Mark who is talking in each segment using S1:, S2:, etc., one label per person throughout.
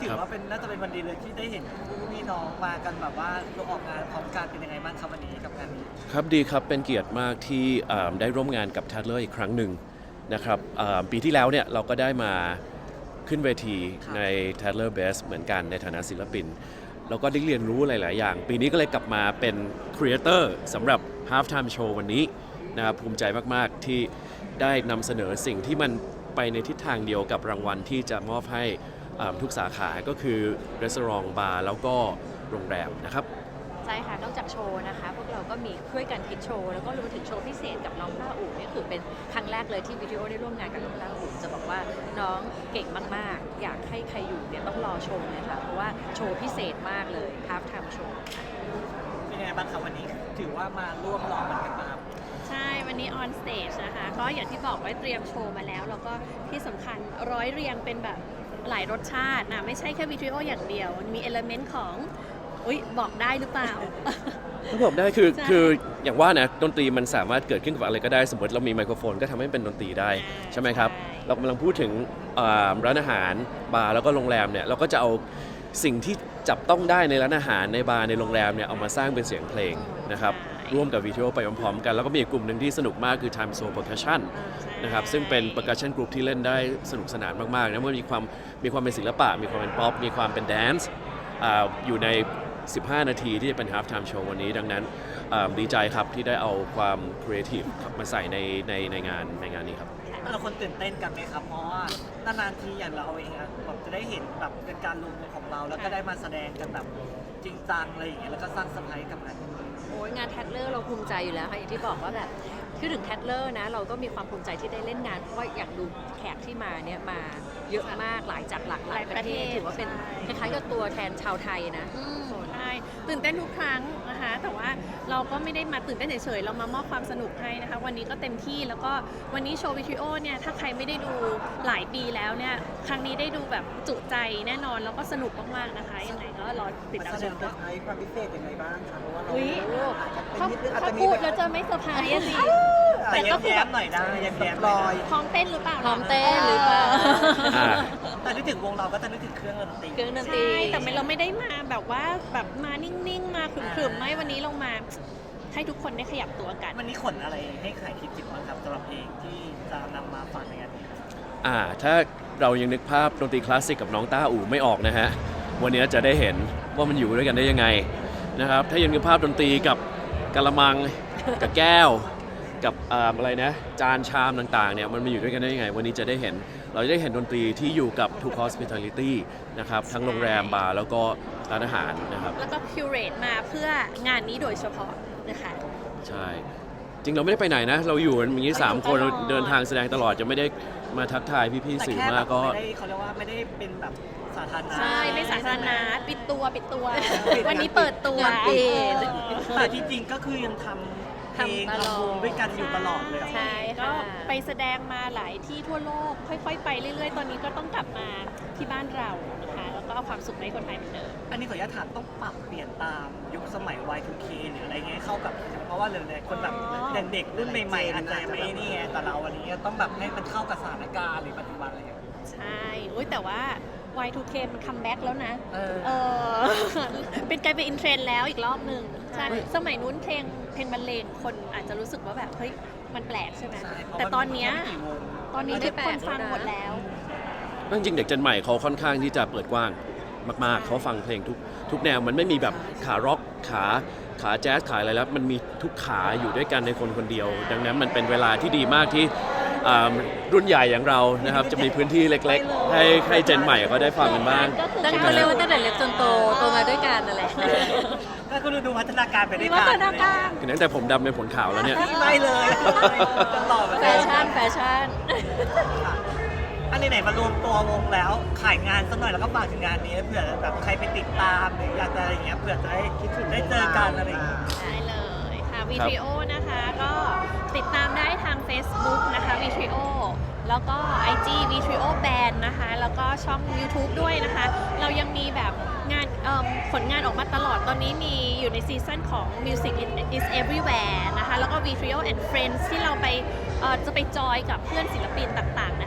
S1: ถือว่าเป็นน่าจะเป็นวันดีเลยที่ได้เห็นคู่พี่น้องมากันแบบว่าร่วมออกงานพร้อมกันเป็นยังไงบ้างครับวันนี้กับงานนี้
S2: ครับดีครับเป็นเกียรติมากที่ได้ร่วมงานกับ Tatler อีกครั้งหนึ่งนะครับปีที่แล้วเนี่ยเราก็ได้มาขึ้นเวทีใน Tatler Best เหมือนกันในฐานะศิลปินแล้วก็ได้เรียนรู้หลาย ๆ อย่าง ปีนี้ก็เลยกลับมาเป็นครีเอเตอร์สำหรับ Halftime Show วันนี้นะครับภูมิใจมาก ๆ ที่ได้นำเสนอสิ่งที่มันไปในทิศทางเดียวกับรางวัลที่จะมอบให้ทุกสาขาก็คือร้านบาร์แล้วก็โรงแรมนะครับ
S3: ใช่ค่ะนอกจากโชว์นะคะพวกเราก็มีช่วยกันคิดโชว์แล้วก็รวมถึงโชว์พิเศษกับน้องต้าอู่นี่คือเป็นครั้งแรกเลยที่วิดีโอได้ร่วมงานกับน้องต้าอู่จะบอกว่าน้องเก่งมากๆอยากให้ใครอยู่เนี่ยต้องรอชมเลยค่ะเพราะว่าโชว์พิเศษมากเลย Half Time Show
S1: เป็นยังไงบ้างครับวันนี้ถือว่ามาร่วมร้องมันกันมา
S4: ใช่วันนี้ออนสเตจนะคะก็อย่างที่บอกไว้เตรียมโชว์มาแล้วแล้วก็ที่สำคัญร้อยเรียงเป็นแบบหลายรสชาตินะไม่ใช่แค่วิดีโออย่างเดียวมันมีเอลเมนต์ของบอกได้หรือเปล่า
S2: ถ้าบอกได้คืออย่างว่านะดนตรีมันสามารถเกิดขึ้นกับอะไรก็ได้สมมติเรามีไมโครโฟนก็ทำให้เป็นดนตรีได้ใช่ไหมครับเรากำลังพูดถึงร้านอาหารบาร์แล้วก็โรงแรมเนี่ยเราก็จะเอาสิ่งที่จับต้องได้ในร้านอาหารในบาร์ในโรงแรมเนี่ยเอามาสร้างเป็นเสียงเพลงนะครับร่วมกับวิดีโอไปพร้อมๆกันแล้วก็มีอีกกลุ่มหนึ่งที่สนุกมากคือ Time Zone Percussion นะครับซึ่งเป็น percussion group ที่เล่นได้สนุกสนานมากๆนะมันมีความเป็นศิลปะมีความเป็นป๊อปมีความเป็นแดนซ์อยู่ใน15 นาทีที่จะเป็น Half Time Show วันนี้ดังนั้นดีใจครับที่ได้เอาความ creative มาใส่ในงานนี้ครับ
S1: แต่ละคนตื่นเต้นกันไหมครับเพราะว่านานๆทีอย่างเราเองอะแบบจะได้เห็นแบบเป็นการรวมตัวของเราแล้วก็ได้มาแสดงกันแบบจริงจังอะไรอย่างเงี้ยแล้วก็สร้างเซอร์ไพรส์กับงาน
S3: โอ้ยงานแทดเลอร์เราภูมิใจอยู่แล้วค่ะอย่างที่บอกว่าแบบคือถึงแทดเลอร์นะเราก็มีความภูมิใจที่ได้เล่นงานเพราะว่าอยากดูแขกที่มาเนี่ยมาเยอะมากหลายจากหลากหลายประเทศถือว่าเป็นคล้ายๆกับตัวแทนชาวไทยนะ
S4: ใช่ตื่นเต้นทุกครั้งนะคะแต่ว่าเราก็ไม่ได้มาตื่นเต้นเฉยๆเรามามอบความสนุกให้นะคะวันนี้ก็เต็มที่แล้วก็วันนี้โชว์วิดีโอเนี่ยถ้าใครไม่ได้ดูหลายปีแล้วเนี่ยครั้งนี้ได้ดูแบบจุใจแน่นอนแล้วก็สนุกมากๆนะคะยังไงก็รอติดตามชมด้วย
S1: ความพิเศษยังไงบ้างคะเพราะว่าเรา
S4: ถ้าพูดแล้วจะไม่เซอร์ไพรส์สิ
S1: แต่ก็แย้มหน่อยได้แย้มลอย
S4: พร้อมเต้นหรือเปล่า
S3: พร้อมเต้นหรือเปล่า
S1: แต่นึกถึงวงเราก็จะนึกถึงเครื่องดนตรี
S4: ใช่แต่เราไม่ได้มาแบบว่าแบบมานิ่งๆมาขรึมๆไม่วันนี้เรามาให้ทุกคนได้ขยับตัวกัน
S1: วันนี้ขนอะไรให้ใครคิดบ้างครับสำหรับเพลงที่จะนำมาฝากในงานนี้
S2: ถ้าเรายังนึกภาพดนตรีคลาสสิกกับน้องต้าอู่ไม่ออกนะฮะวันนี้จะได้เห็นว่ามันอยู่ด้วยกันได้ยังไงนะครับถ้ายังนึกภาพดนตรีกับกะละมังกับแก้วกับอะไรนะจานชามต่างๆเนี่ยมันมาอยู่ด้วยกันได้ยังไงวันนี้จะได้เห็นเราจะได้เห็นดนตรีที่อยู่กับ ทุก hospitality นะครับทั้งโรงแรมบาร์แล้วก็ร้านอาหารนะครับ
S4: แล้วก็คิวเรตมาเพื่องานนี้โดยเฉพาะนะคะ
S2: ใช่จริงเราไม่ได้ไปไหนนะเราอยู่กันอย่างนี้3 คนเดินทางแสดงตลอดจะไม่ได้มาทักทายพี่ๆสื่อมากก็
S1: เขาเรียกว่าไม่ได้เป็นแบบสาธารณะ
S4: ใช่ไม่สาธารณะปิดตัววันนี้เปิดตัว
S1: แต่ที่จริงก็คือยังทำเพลงทำวงด้วยกันอยู่ตลอดเลย
S4: ใช่ก็ไปแสดงมาหลายที่ทั่วโลกค่อยๆไปเรื่อยๆตอนนี้ก็ต้องกลับมาที่บ้านเรานะคะแล้วก็เอาความสุขให้คนไทยเหมือนเดิม
S1: อันนี้ขออนุญาตถามต้องปรับเปลี่ยนตามยุคสมัย Y2K หรืออะไรเงี้ยเข้ากับเพราะว่าหลายๆคนแบบเด็กรุ่นใหม่ๆอาจจะไม่นี่ไงแต่เราวันนี้ต้องแบบให้มันเข้ากับสถานการณ์หรือปัจจุบันอะไรเงี้ย
S4: ใช่แต่ว่า Y2K มันคัมแบ็กแล้วนะเป็นกลายเป็นอินเทรนด์แล้วอีกรอบหนึ่งใช่สมัยนู้นเพลงบรรเลงคนอาจจะรู้สึกว่าแบบเฮ้ยมันแปลกใช่ไหมแต่ตอนนี้ทุกคนฟังหมดแล้ว
S2: จริงๆเด็กเจนใหม่เขาค่อนข้างที่จะเปิดกว้างมากๆเขาฟังเพลงทุกแนวมันไม่มีแบบขาร็อกขาแจ๊สขาอะไรแล้วมันมีทุกขาอยู่ด้วยกันในคนคนเดียวดังนั้นมันเป็นเวลาที่ดีมากที่รุ่นใหญ่อย่างเรานะครับจะมีพื้นที่เล็กๆให้เจนใหม่ก็ได้ฟังกันบ้าง
S3: ตั้งแต่เรียกว่าตั้งแต่เล็กจนโตมาด้วยกันนั่นแหละ
S1: ถ้าคุณดูพัฒนาการไปด้วยกัน
S2: ตั้งแต่ผมดำเป็นผลขาวแล้วเนี่ย
S1: ไม่เลยตลอด
S3: แฟชั่น
S1: อันไหนมารวมตัววงแล้วขายงานสักหน่อยแล้วก็ฝากถึงงานนี้เผื่อแบบใครไปติดตามหรืออยากจะอะไรอย่างเงี้ยเผื่อจะได้คิดถึงได้เจอกันอะไรอย่างเงี้ย
S4: ได้เลยค่ะวิดีโอนะคะก็ติดตามได้ทาง Facebook นะคะวิดีโอแล้วก็ IG Vitrio Band นะคะแล้วก็ช่อง YouTube ด้วยนะคะเรายังมีแบบงานผลงานออกมาตลอดตอนนี้มีอยู่ในซีซั่นของ Music is Everywhere นะคะแล้วก็ Vitrio and Friends ที่เราไปจะไปจอยกับเพื่อนศิลปินต่างๆนะคะ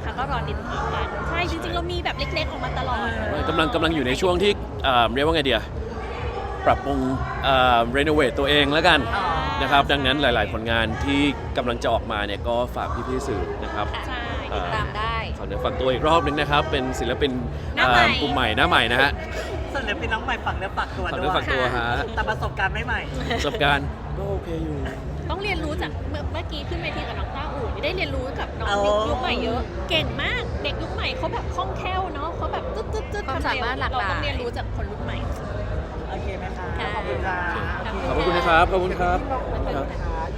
S4: นะคะ ก็รอติดตามกันใช่จริงๆเรามีแบบเล็กๆออกมาตลอด
S2: กำลังอยู่ในช่วงที่เรียกว่าไงเดียปรับปรุงรีโนเวทตัวเองแล้วกัน
S1: อ๋อ
S2: นะครับดังนั้นหลาย ๆ ผลงานที่กำลังจะออกมาเนี่ยก็ฝากพี่ๆสื่อนะครับ
S4: ใช่
S3: ติดตามได้
S2: ขอเนื้อฝากตัวอีกรอบนึงนะครับ เป็นศิลปิน
S4: หน้าใหม่
S2: กลุ่มใหม่หน้าใหม่นะฮะ
S1: ส่วนเดี๋ยวเป็นน้องใหม่ฝักเนื้อฝักตัว
S2: ฝาก
S1: ด้
S2: เนื้
S1: ว
S2: อย ฝากตัวฮะ
S1: แต่ประสบการณ์ไม่ใหม่
S2: ประสบการณ์ก็โอเคอยู่
S4: ต้องเรียนรู้จากเมื่อกี้ขึ้นเวทีกับน้องต้าอู่ได้เรียนรู้กับน้อง
S1: อ๋อ
S4: ยุคใหม่เยอะ เก่งมากเด็กยุคใหม่เขาแบบคล่องแคล่วเนาะเขาแบบตึ๊ด
S3: ความสามารถหลากหลาย
S4: เราต้องเรียนรู้จากคนรุ่นใหม่
S1: โอเคไหมคะ
S4: ค่ะ
S1: ขอบคุณค่ะ
S2: ขอบคุณนะครับ ขอบคุณครับ
S1: ครับ